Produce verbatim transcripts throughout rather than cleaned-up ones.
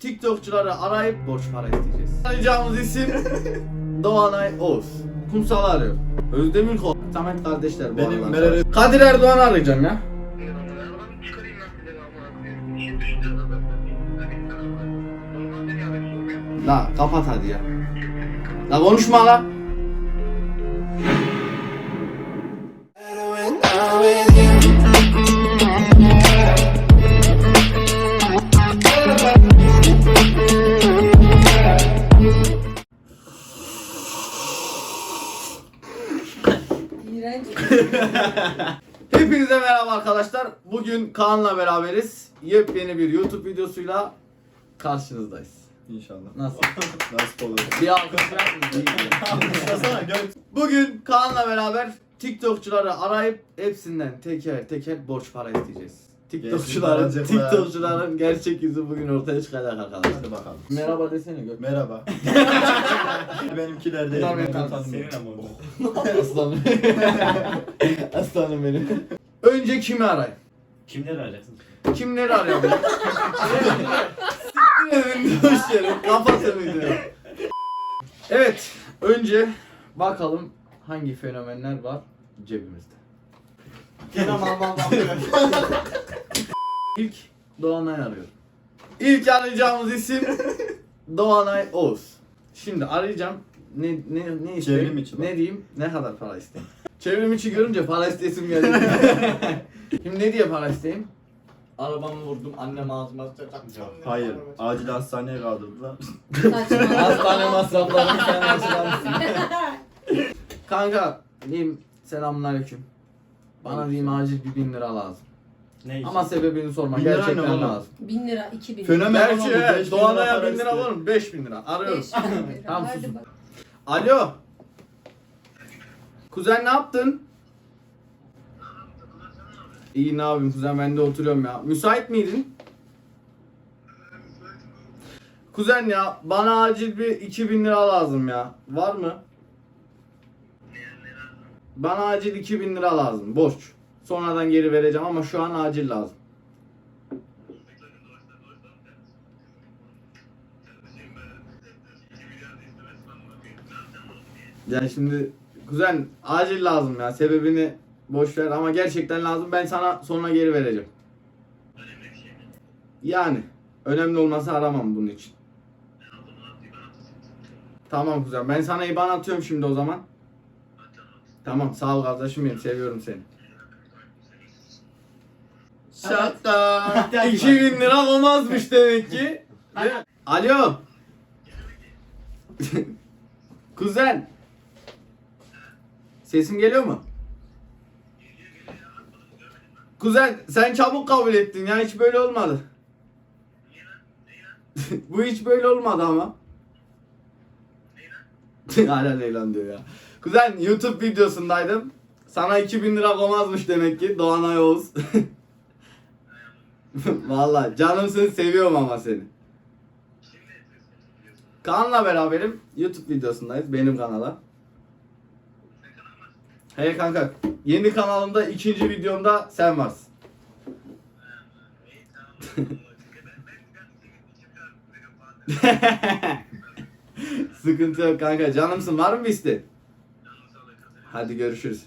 TikTokçuları arayıp borç para isteyeceğiz. Arayacağımız isim Doğanay Oğuz. Kumsal'ı arıyor. Özdemir Kol. Samet kardeşler bu Benim aralar. Meral- Kadir Erdoğan'ı arayacağım ya. La kapat hadi ya. La konuşma la. İğrenç. Hepinize merhaba arkadaşlar. Bugün Kaan'la beraberiz. Yepyeni bir YouTube videosuyla karşınızdayız. İnşallah. Nasıl? Nasip olur. Bir alkış ver. Alkışlasana gör. Bugün Kaan'la beraber TikTokçuları arayıp hepsinden teker teker borç para isteyeceğiz. TikTokçuların, Gerçek para. TikTokçuların gerçek yüzü bugün ortaya çıkacak arkadaşlar. Hadi bakalım. Merhaba desene Gök. Merhaba. Benimkiler değil. Bunlar beni Ben tanımıyor. tanımıyorum. Aslanım. Aslanım benim. Önce kimi arayayım? Kimleri arayacaksın? Kimleri arayalım? Siktir edin boş yere. Kapatın videoyu. Evet. Önce bakalım hangi fenomenler var cebimizde. İlk Doğanay arıyor. İlk arayacağımız isim Doğanay Oğuz. Şimdi arayacağım. Ne ne ne isteyeyim? Çevrim içi bak. Ne diyeyim? Ne kadar para isteyeyim? Çevrim içi görünce para istesim geldi. Şimdi ne diye para isteyeyim? Arabamı vurdum, annem ağzıma sıçacak. Hayır. Acil hastaneye kaldırdılar. Saçma. Hastane masraflarını sen karşılarsın. Kanka diyeyim selamünaleyküm. Bana diyeyim acil bir bin lira lazım. Ne için? Ama sebebini sorma, Bin lira ne gerçekten oğlum? lazım. Bin lira, iki bin. Fenomen Gerçi olan bu, evet, beş bin Doğanay'a para bin lira istiyor. var mı? beş bin lira. Arıyorum. Beş bin lira. Tamam, Hadi susun. bak. Alo. Kuzen ne yaptın? İyi ne yapayım kuzen, ben de oturuyorum ya. Müsait miydin? Kuzen ya bana acil bir iki bin lira lazım ya. Var mı? Bana acil iki bin lira lazım. Borç. Sonradan geri vereceğim ama şu an acil lazım. Yani şimdi kuzen acil lazım ya. Sebebini boş ver ama gerçekten lazım. Ben sana sonra geri vereceğim. Yani önemli olmasa aramam bunun için. Tamam kuzen. Ben sana IBAN atıyorum şimdi o zaman. Tamam sağ ol kardeşim benim. Seviyorum seni. Şaka. iki bin lira olmazmış demek ki. Değil mi? Alo. Kuzen. Sesim geliyor mu? Kuzen sen çabuk kabul ettin ya, hiç böyle olmadı. Bu hiç böyle olmadı ama. Hala Leylan diyor ya. Kuzen YouTube videosundaydım. Sana iki bin lira olmazmış demek ki Doğanay Oğuz. Vallahi canımsın, seviyorum ama seni. Kaan'la beraberim. YouTube videosundayız benim kanala. Hey kanka, yeni kanalımda ikinci videomda sen varsın. Sıkıntı yok kanka, canımsın, var mı bir isteğin? Hadi görüşürüz.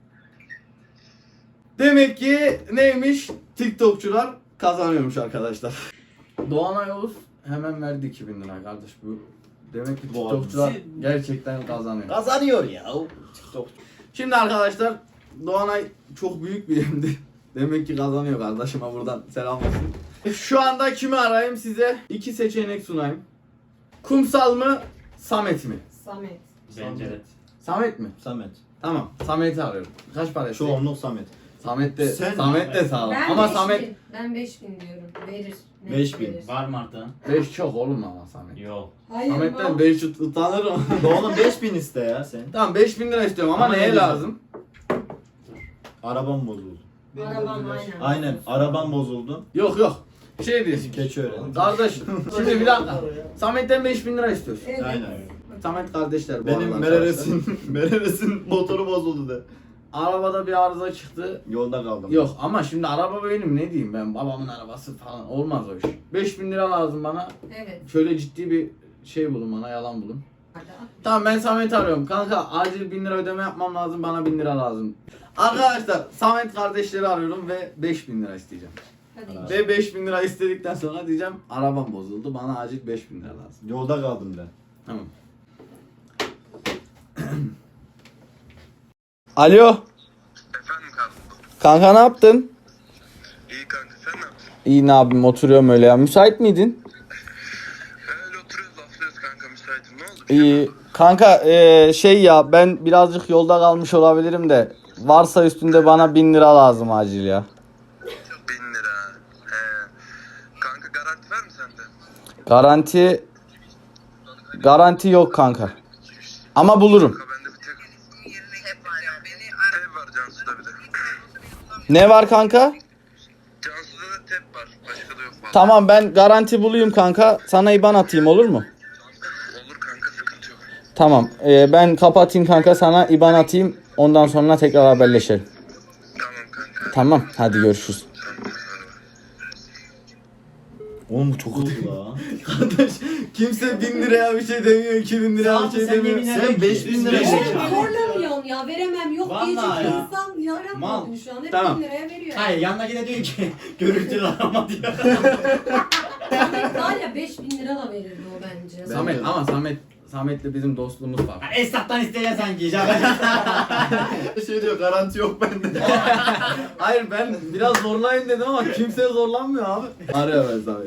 Demek ki neymiş? TikTokçular kazanıyormuş arkadaşlar. Doğanay Oğuz hemen verdi iki bin lira kardeş bu. Demek ki Bu TikTokçular abi- gerçekten kazanıyor. Kazanıyor ya. TikTok. Şimdi arkadaşlar Doğanay çok büyük bir yemdi. Demek ki kazanıyor kardeşime, buradan selam olsun. Şu anda kimi arayayım size? İki seçenek sunayım. Kumsal mı? Samet mi? Samet. Bence de. Samet mi? Samet. Tamam, Samet'i arıyorum. Kaç para isteyeyim? Çoğunluk Samet. Samet de, Sen- Samet de sağ ol. Ben Ama beş Samet bin. Ben beş bin diyorum. Verir. Net Beş bin. verir. Var mı artan? beş çok oğlum ama Samet. Yok. Hayır Samet'ten mal. beş utanırım. Oğlum beş bin iste ya sen. Tamam beş bin lira istiyorum ama, Ama neye ne lazım? Arabam bozuldu. Arabam aynen. Aynen. Arabam bozuldu. Yok yok. Şey diyorsun. Keçi öğrendim. Kardeş şimdi bir dakika. Samet'ten beş bin lira istiyorsun. Evet. Aynen. Samet kardeşler bu Benim aralar Merales'in Merales'in motoru bozuldu de. arabada bir arıza çıktı. Yolda kaldım. Yok ama şimdi araba benim, ne diyeyim ben, babamın arabası falan, olmaz o iş. beş bin lira lazım bana. Evet. Şöyle ciddi bir şey bulun bana, yalan bulun. Hadi. Tamam, ben Samet'i arıyorum. Kanka acil bin lira ödeme yapmam lazım, bana bin lira lazım. Arkadaşlar Samet kardeşleri arıyorum ve beş bin lira isteyeceğim. Hadi. Ve beş bin lira istedikten sonra diyeceğim arabam bozuldu, bana acil beş bin lira lazım. Yolda kaldım ben. Tamam. Alo. Efendim kanka. Kanka ne yaptın? İyi kanka sen ne yapıyorsun? İyi, ne yapayım, oturuyorum öyle ya. Müsait miydin? Öyle oturuyoruz laflıyoruz kanka müsaitim ne oldu? İyi. Kanka eee, şey ya, ben birazcık yolda kalmış olabilirim de varsa üstünde bana bin lira lazım acil ya. Bin lira. He. Kanka garanti var mı sende? Garanti garanti yok kanka. Ama bulurum. Kanka bende bir tek hep var ya beni Tep var Cansu'da bir de. Ne var kanka? Cansu'da da tep var. Başka da yok vallahi. Tamam, ben garanti bulayım kanka. Sana IBAN atayım, olur mu? Olur kanka sıkıntı yok. Tamam. eee, ben kapatayım kanka, sana IBAN atayım. Ondan sonra tekrar haberleşelim. Tamam kanka. Tamam. Hadi görüşürüz. Oğlum bu çok kötü la. Kardeş, kimse bin liraya bir şey demiyor, iki bin liraya bir şey demiyor. Sen beş bin lira Oğlum şey- zorlamıyorsun ya, veremem yok Vallahi diyecek ya. insan yarammadın Mal. şu an, hep Tamam. bin liraya veriyor. Hayır, yanındaki de diyor ki görüntülü arama diyor. Samet var ya beş bin lira da verirdi o bence. Samet, ama Samet Samet'le bizim dostluğumuz var. Ha, Esnaftan isteyeceksin sanki. Şey diyor, garanti yok bende. Hayır, ben biraz zorlayayım dedim ama kimse zorlanmıyor abi. Arıyor ben Samet.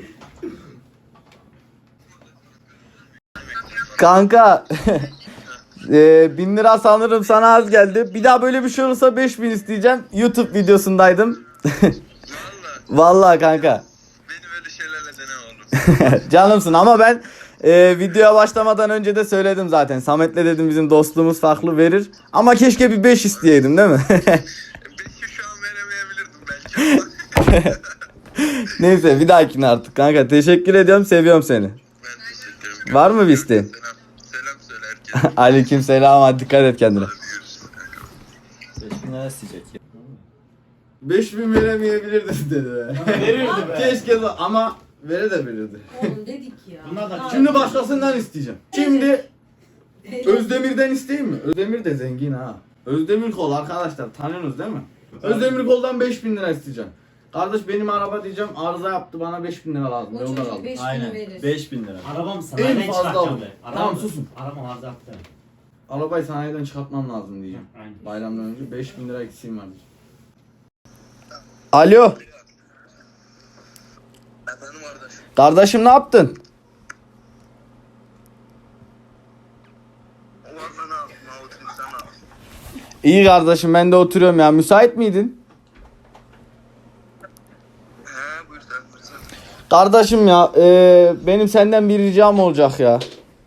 Kanka e, bin lira sanırım sana az geldi. Bir daha böyle bir şey olursa beş bin isteyeceğim. YouTube videosundaydım. Valla Vallahi kanka. beni böyle şeylerle dene oğlum. Canımsın ama ben e, videoya başlamadan önce de söyledim zaten. Samet'le dedim bizim dostluğumuz farklı, verir. Ama keşke bir beş isteyeydim değil mi? Beşi şu an veremeyebilirdim belki ama. Neyse, bir dahakine artık kanka. Teşekkür ediyorum, seviyorum seni. Ben teşekkür ederim. Var mı bir isteğin? Selam. Selam söyle herkese. Aleyküm selam, hadi dikkat et kendine. Hadi görüşürüz kanka. beş bin lira isteyecek ya. beş bin veremeyebilirdin dedi be. Verirdi be. Keşke de, ama vere de verirdi. Oğlum dedik ya. Bunlar da- Şimdi başkasından isteyeceğim. Şimdi Evet. Özdemir'den isteyeyim mi? Özdemir de zengin ha. Özdemir Kol arkadaşlar, tanıyorsunuz değil mi? Özdemir Kol'dan beş bin lira isteyeceğim. Kardeş benim araba diyeceğim, arıza yaptı, bana beş bin lira lazım. O Yolda çocuk kaldım. beş bin Aynen. verir. beş bin lira. Arabam En sanayiden fazla çıkartacağım olur. be. Tamam, susun. Arabam arıza yaptı. Arabayı sanayiden çıkartmam lazım diyeceğim. Aynen. Bayramdan önce beş bin lira eksiğim var diyeceğim. Alo. Efendim kardeş. Kardeşim ne yaptın? Valla ne yapayım? Avutum sen ne yapıyorsun? İyi kardeşim, ben de oturuyorum ya. Müsait miydin? He buyur sen buyur sen. Kardeşim ya, e, benim senden bir ricam olacak ya.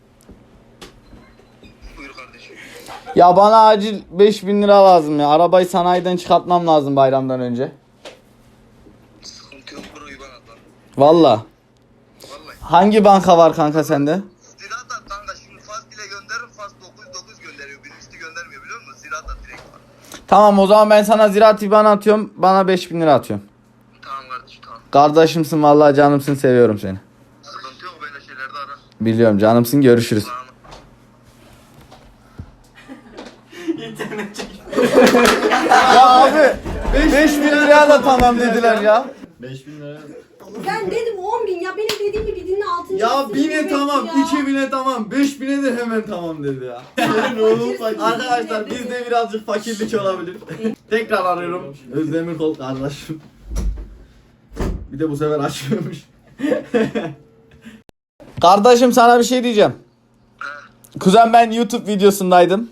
Buyur kardeşim. Ya bana acil beş bin lira lazım ya. Arabayı sanayiden çıkartmam lazım bayramdan önce. Sıkıntı yok bro İban atla. Valla. Vallahi. Hangi banka var kanka sende? Ziraat at kanka şimdi Fas ile gönderirim Fas dokuz dokuz gönderiyor. Birincisi göndermiyor biliyor musun? Ziraat at direkt var. Tamam, o zaman ben sana Ziraat IBAN atıyorum. Bana beş bin lira atıyorum. Tamam kardeşim tamam. Kardeşimsin vallahi, canımsın, seviyorum seni. Sıkıntı yok böyle şeylerde ara. Biliyorum, canımsın, görüşürüz. Tamam. İnternet çek. Ya abi beş bin liraya da tamam dediler ya. beş bin lira. Ben dedim on bin ya, benim dediğim gibi dinle altıncı. Ya sınıf bine bebek tamam, ya. iki bine tamam, beş bine de hemen tamam dedi ya. Fakirsin Arkadaşlar dedi. bizde birazcık fakirlik olabilir. Tekrar arıyorum. Özdemir Kol kardeşim. Bir de bu sefer açmıyormuş. Kardeşim sana bir şey diyeceğim. Kuzen, ben YouTube videosundaydım.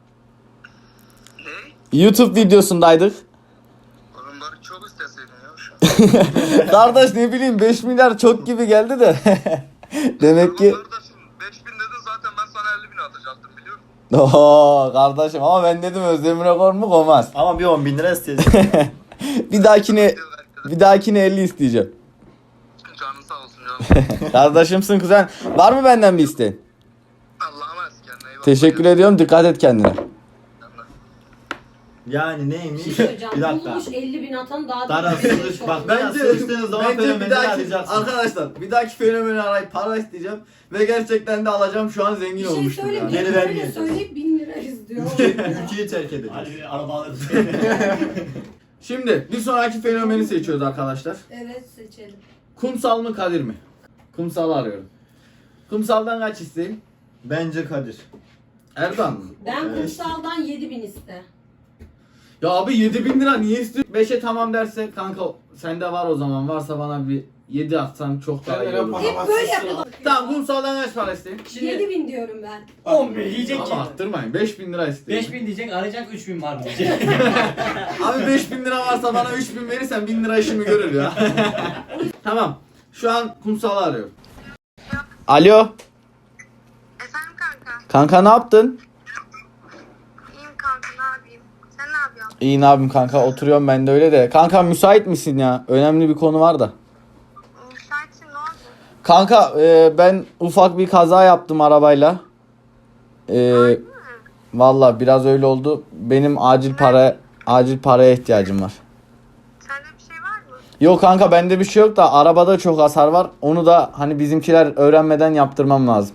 Ne? YouTube videosundaydık. Oğlum bari çok isteseydin ya şu an. Kardeş ne bileyim, beş milyar çok gibi geldi de. Demek ki... Tamam kardeşim beş bin dedin zaten ben sana elli bin atacaktım biliyor musun? Oo kardeşim, ama ben dedim Özdemir'e kor mu olmaz. Ama bir on bin lira isteyecek. Bir dahakine Diyor herkese. bir dahakine elli isteyeceğim. Canın sağ olsun canım. Kardeşimsin kuzen. Var mı benden bir isteğin? Allah'a emanet kendine iyi bak. Teşekkür ediyorum. Dikkat et kendine. Kendine. Yani neymiş? Bir şey söyleyeceğim. Bir dakika. Bulmuş elli bin atan daha Dara da sığış bak ben Bence, sığıştığınız zaman bence bir fenomeni dahaki arayacaksın. arkadaşlar bir dahaki fenomeni arayıp para isteyeceğim ve gerçekten de alacağım, şu an zengin Bir şey olmuştum söyleyeyim. yani. Geri Geri vermeyeceğiz. söyleyip bin lira istiyor. Ülkeyi terk edeceğiz. Hadi araba alırız. Şimdi bir sonraki fenomeni seçiyoruz arkadaşlar. Evet seçelim. Kumsal mı Kadir mi? Kumsal'ı arıyorum. Kumsal'dan kaç isteyeyim? Bence Kadir. Erdoğan mı? Ben Evet. kumsaldan yedi bin iste. Ya abi yedi bin lira niye istiyorsun? beşe tamam derse kanka sende var o zaman, varsa bana bir yedi atsan çok daha iyi olur. Hep böyle yapalım. Tamam Kumsal'dan kaç para isteyeyim? yedi bin diyorum ben. on bin diyecek ki. Ama arttırmayın, beş bin lira isteyeyim. beş bin diyecek, arayacak üç bin var diyecek. Abi beş bin lira varsa bana üç bin verirsen bin lira işimi görür ya. Tamam. Şu an Kumsal'ı arıyorum. Alo. Efendim kanka. Kanka ne yaptın? İyiyim kanka, ne yapayım? Sen ne yapıyorsun? İyi ne yapayım kanka, oturuyorum ben de öyle de. Kanka müsait misin ya? Önemli bir konu var da. Müsaitsin, ne oldu? Kanka e, ben ufak bir kaza yaptım arabayla. E, Valla biraz öyle oldu. Benim acil para acil paraya ihtiyacım var. Sende bir şey var mı? Yok kanka bende bir şey yok da arabada çok hasar var. Onu da hani bizimkiler öğrenmeden yaptırmam lazım.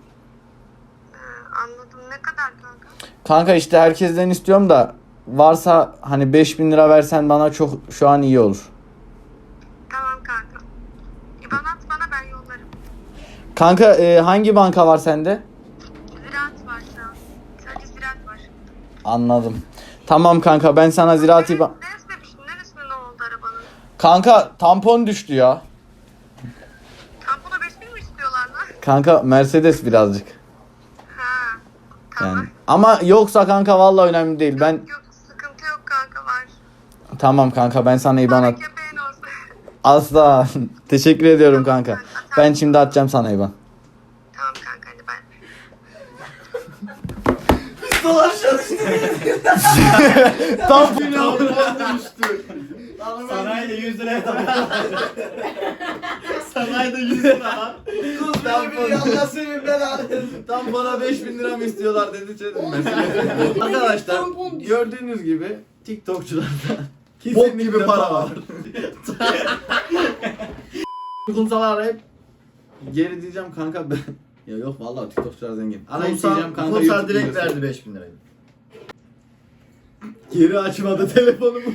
Ee, anladım. Ne kadar kanka? Kanka işte herkesten istiyorum da varsa hani beş bin lira versen bana çok şu an iyi olur. Tamam kanka. İban at bana, ben yollarım. Kanka e, hangi banka var sende? Ziraat var şu an. Sadece ziraat var. Anladım. Tamam kanka ben sana ziraat İBAN... Neresine düştün? Neresine ne oldu arabanın? Kanka tampon düştü ya. Tampona beş bin mi istiyorlar lan? Kanka Mercedes birazcık. Ha. Tamam. Yani. Ama yoksa kanka vallahi önemli değil. Ben Yok, sıkıntı yok kanka, var. tamam kanka ben sana İBAN Bana at. köpeğin olsun. Asla. Teşekkür ediyorum kanka. Ben şimdi atacağım sana İBAN. Tamam kanka, hadi ben. Tampon Sanayide yüz liraya tabii. Sanayide yüz lira lan. Tampona beş bin lira mı istiyorlar dedi çedim ben. Arkadaşlar Tampon düştü. gördüğünüz gibi TikTokçularda Bok gibi para var. Kumsal'ı arayıp geri diyeceğim kanka ben. Ya yok vallahi TikTokçular zengin. Arayıp Kumsal, diyeceğim kanka Kumsal YouTube direkt videosu. verdi beş bin lirayı. Geri açmadı telefonumu.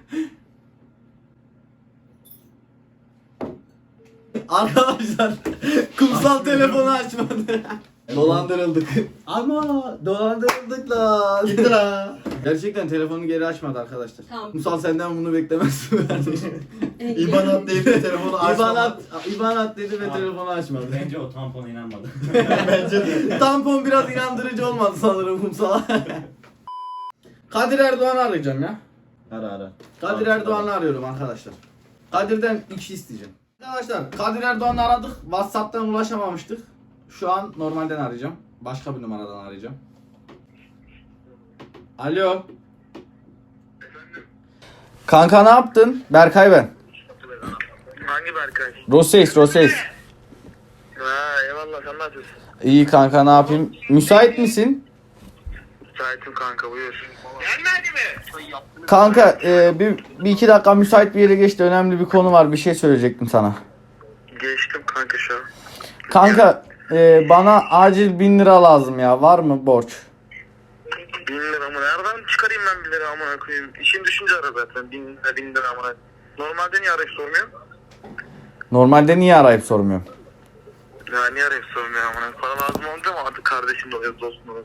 Arkadaşlar Kumsal telefonu açmadı. Dolandırıldık. Ama dolandırıldık lan. Gitti la. Gerçekten telefonu geri açmadı arkadaşlar. Tamam. Kumsal senden bunu beklemezsin kardeşim. İban at deyip de telefonu açmadı. İban at, İban at dedi ve Tamam. telefonu açmadı. Bence o tampona inanmadı. Bence de. Tampon biraz inandırıcı olmadı sanırım Kumsal'a. Kadir Erdoğan'ı arayacağım ya. Ara ara. Kadir Erdoğan'ı arıyorum arkadaşlar. Kadir'den iki isteyeceğim. Arkadaşlar Kadir Erdoğan'ı aradık. WhatsApp'tan ulaşamamıştık. Şu an normalden arayacağım. Başka bir numaradan arayacağım. Alo. Kanka ne yaptın? Berkay ben. Hangi Berkay? Roseis, Roseis. Ha eyvallah, sen ne yapıyorsun? İyi kanka ne yapayım? Müsait misin? Müsaitim kanka, buyur. Gelmedi mi? Kanka e, bir, bir iki dakika müsait bir yere geçti. Önemli bir konu var. Bir şey söyleyecektim sana. Geçtim kanka şu an. Kanka e, bana acil bin lira lazım ya. Var mı borç? Bin lira mı? Nereden çıkarayım ben bir lira amına koyayım? İşin düşünce ara zaten. Bin lira, bin lira amına. Normalde niye arayıp sormuyorsun? Normalde niye arayıp sormuyorum? Ya niye arayıp sormuyorsun amına? Para lazım olunca mı artık kardeşim de oluyor, dostum da oluyor?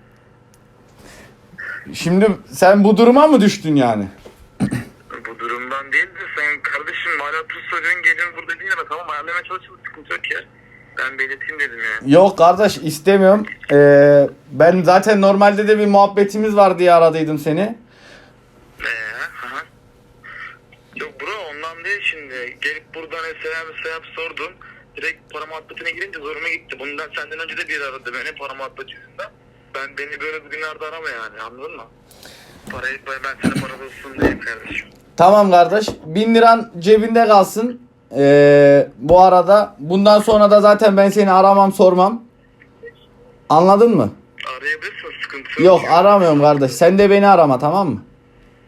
Şimdi sen bu duruma mı düştün yani? Bu durumdan değil de sen kardeşim hala tuz soruyorsun, geliyorsun burada bin lira, tamam ayarlamaya çalışalım, sıkıntı yok ya. Ben belirteyim dedim ya. Yok kardeş istemiyorum. Ee, ben zaten normalde de bir muhabbetimiz var diye aradıydım seni. Eee aha. Yok bro, ondan değil şimdi. Gelip buradan selam selam sordum. Direkt para muhabbetine girince zoruma gitti. Bundan senden önce de biri aradı beni para muhabbeti yüzünden. Ben beni böyle bugünlerde arama yani, anladın mı? Parayı ben sana para bulsun diyeyim kardeşim. Tamam kardeş. Bin liran cebinde kalsın. Ee, bu arada bundan sonra da zaten ben seni aramam sormam. Anladın mı? Arayabilirsin, sıkıntı Yok aramıyorum kardeş. Sen de beni arama tamam mı?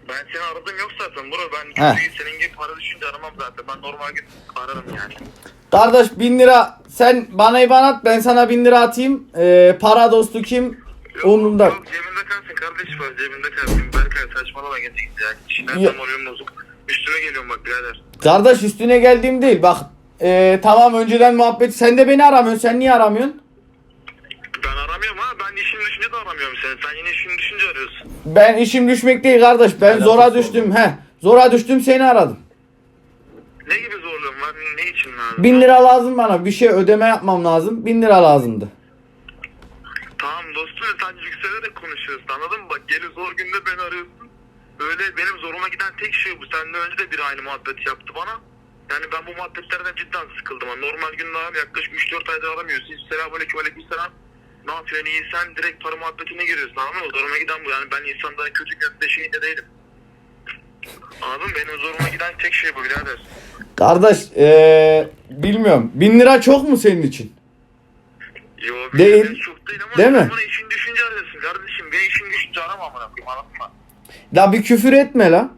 Ben seni aradım yok zaten bro. Ben Heh. çünkü senin gibi para düşünce aramam zaten. Ben normal gün ararım yani. Kardeş bin lira sen bana IBAN at, ben sana bin lira atayım. Ee, para dostu kim? Yok, Umurumda. Yok cebinde kalsın kardeş var cebinde kalsın. Berkay saçmalama gece git ya. Şimdi Yok. tam moralim bozuk. Üstüme geliyorum bak birader. Kardeş üstüne geldiğim değil. Bak ee, tamam önceden muhabbet. Sen de beni aramıyorsun. Sen niye aramıyorsun? Ben aramıyorum ha. Ben işim düşünce de aramıyorum seni. Sen yine işin düşünce arıyorsun. Ben işim düşmek değil kardeş. Ben Alakası zora oldu. düştüm. He. Zora düştüm seni aradım. Ne gibi zorluğum var? Ne için lazım? Bin lira lazım bana. Bir şey ödeme yapmam lazım. Bin lira lazımdı. Tamam dostum sen yükselerek konuşuyorsun anladın mı? Bak gelip zor günde beni arıyorsun. Böyle benim zoruma giden tek şey bu. Senden önce de bir aynı muhabbet yaptı bana. Yani ben bu muhabbetlerden cidden sıkıldım. Yani normal günde abi yaklaşık üç dört aydır aramıyorsun. Hiç selamünaleyküm aleykümselam. Ne yapıyorsun iyi sen direkt para muhabbetine giriyorsun anladın mı? Zoruma giden bu. Yani ben insanların kötü kötü şeyinde değilim. Anladın mı? Benim zoruma giden tek şey bu birader. Kardeş ee, bilmiyorum. Bin lira çok mu senin için? Yo, Değil. benim çok değil ama Değil mi? bana işin düşünce arıyorsun kardeşim. Ben işin düşünce arama amına koyayım anladın mı? La bir küfür etme la.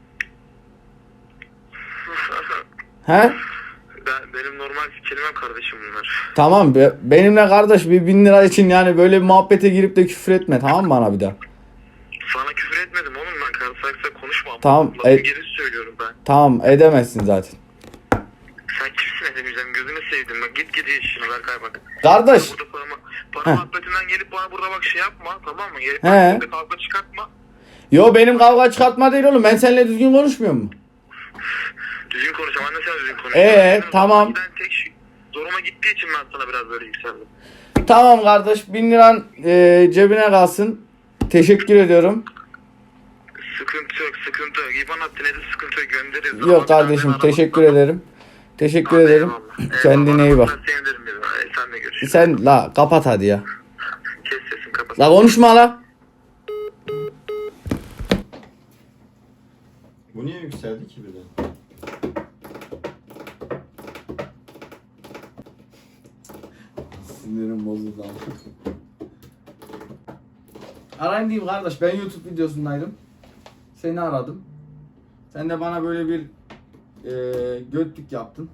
He? Ben, benim normal kelimem kardeşim bunlar. Tamam be, benimle kardeş bir bin lira için yani böyle bir muhabbete girip de küfür etme tamam mı bana bir daha? Sana küfür etmedim oğlum ben karısaksa konuşmam. Tamam, Lafı e- geri söylüyorum ben. Tamam edemezsin zaten. Sen kimsin edemeyeceğim gözünü sevdim bak git gidi işine Berkay bak. Kardeş. Burada para, para Heh. muhabbetinden gelip bana burada bak şey yapma tamam mı? Gelip He. bana burada kavga çıkartma. Yo benim kavga çıkartma değil oğlum ben seninle düzgün konuşmuyor mu? Düzgün konuşam anne sen düzgün konuş. Ee, Benim tamam. zoruma giden tek şey, zoruma gittiği için ben sana biraz böyle yükseldim. Tamam kardeş bin liran e, cebine kalsın. Teşekkür ediyorum. Sıkıntı yok sıkıntı yok. İban attı ne de sıkıntı yok göndeririz. Ama Yok kardeşim ben teşekkür aramam. ederim. Teşekkür Hadi ederim. eyvallah. Kendine iyi Eyvallah. bak. Ben sevinirim bir daha. E, Sen de görüşürüz. Sen la kapat hadi ya. Kes sesini kapat. La konuşma la. Bu niye yükseldi ki birden? Sinirim bozuldu ama. Arayayım diyeyim kardeş ben YouTube videosundaydım. Seni aradım. Sen de bana böyle bir e, götlük yaptın.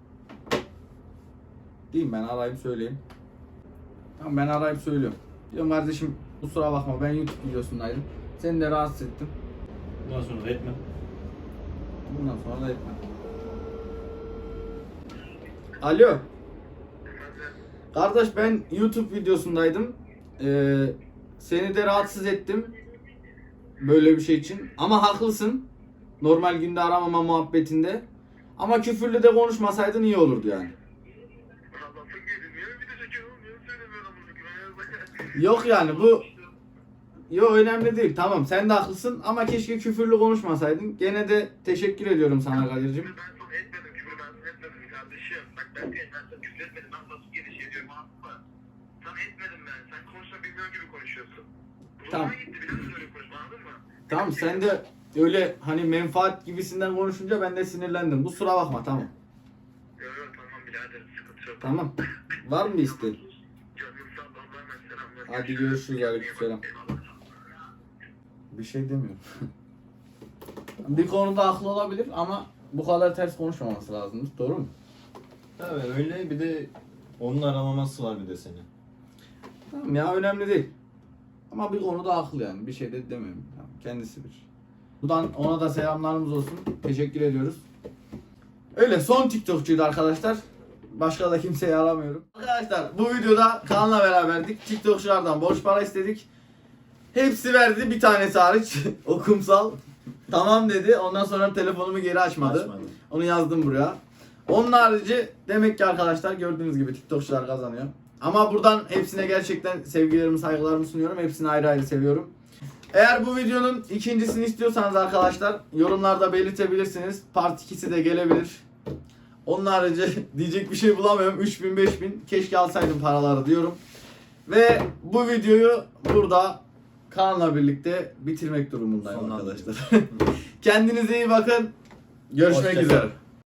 Diyeyim ben arayıp söyleyeyim. Tamam ben arayıp söylüyorum. Diyorum kardeşim kusura bakma ben YouTube videosundaydım. Seni de rahatsız ettim. Bundan sonra da etme. Bundan sonra da etmem. Alo. Kardeş ben YouTube videosundaydım. Ee, seni de rahatsız ettim. Böyle bir şey için. Ama haklısın. Normal günde aramama muhabbetinde. Ama küfürlü de konuşmasaydın iyi olurdu yani. Yok yani bu... Yok önemli değil. Tamam sen de haklısın ama keşke küfürlü konuşmasaydın. Gene de teşekkür ediyorum sana Kadir'cim. Ben sana etmedim küfür ben sana etmedim kardeşim. Bak ben ben sana küfür etmedim. Ben nasıl geri şey diyorum anladın mı? Sana etmedim ben. Sen konuşma bilmiyor gibi konuşuyorsun. Tamam. Zoruma gitti biraz öyle konuşma anladın mı? Tamam sen de öyle hani menfaat gibisinden konuşunca ben de sinirlendim. Kusura bakma tamam. Yok yok tamam birader sıkıntı yok. Tamam. Var mı bir isteğin? Canım sağ ol Allah'a emanet selamlar. Hadi görüşürüz aleykümselam. Bir şey demiyorum. Bir konuda haklı olabilir ama bu kadar ters konuşmaması lazım. Doğru mu? Tabii öyle bir de onun aramaması var bir de seni. Tamam ya önemli değil. Ama bir konuda haklı yani. Bir şey de demiyorum. Tamam, kendisi bir. Buradan ona da selamlarımız olsun. Teşekkür ediyoruz. Öyle son TikTokçuydu arkadaşlar. Başka da kimseyi aramıyorum. Arkadaşlar bu videoda Kaan'la beraberdik. TikTokçulardan borç para istedik. Hepsi verdi bir tanesi hariç. O kumsal. Tamam dedi. Ondan sonra telefonumu geri açmadı. Açmadı. Onu yazdım buraya. Onun harici demek ki arkadaşlar gördüğünüz gibi TikTokçular kazanıyor. Ama buradan hepsine gerçekten sevgilerimi saygılarımı sunuyorum. Hepsini ayrı ayrı seviyorum. Eğer bu videonun ikincisini istiyorsanız arkadaşlar yorumlarda belirtebilirsiniz. Part ikisi de gelebilir. Onun harici diyecek bir şey bulamıyorum. üç bin beş bin keşke alsaydım paraları diyorum. Ve bu videoyu burada Kaan'la birlikte bitirmek durumundayım Sonlandırıyorum. arkadaşlar. Kendinize iyi bakın. Görüşmek Hoşça üzere. kalın.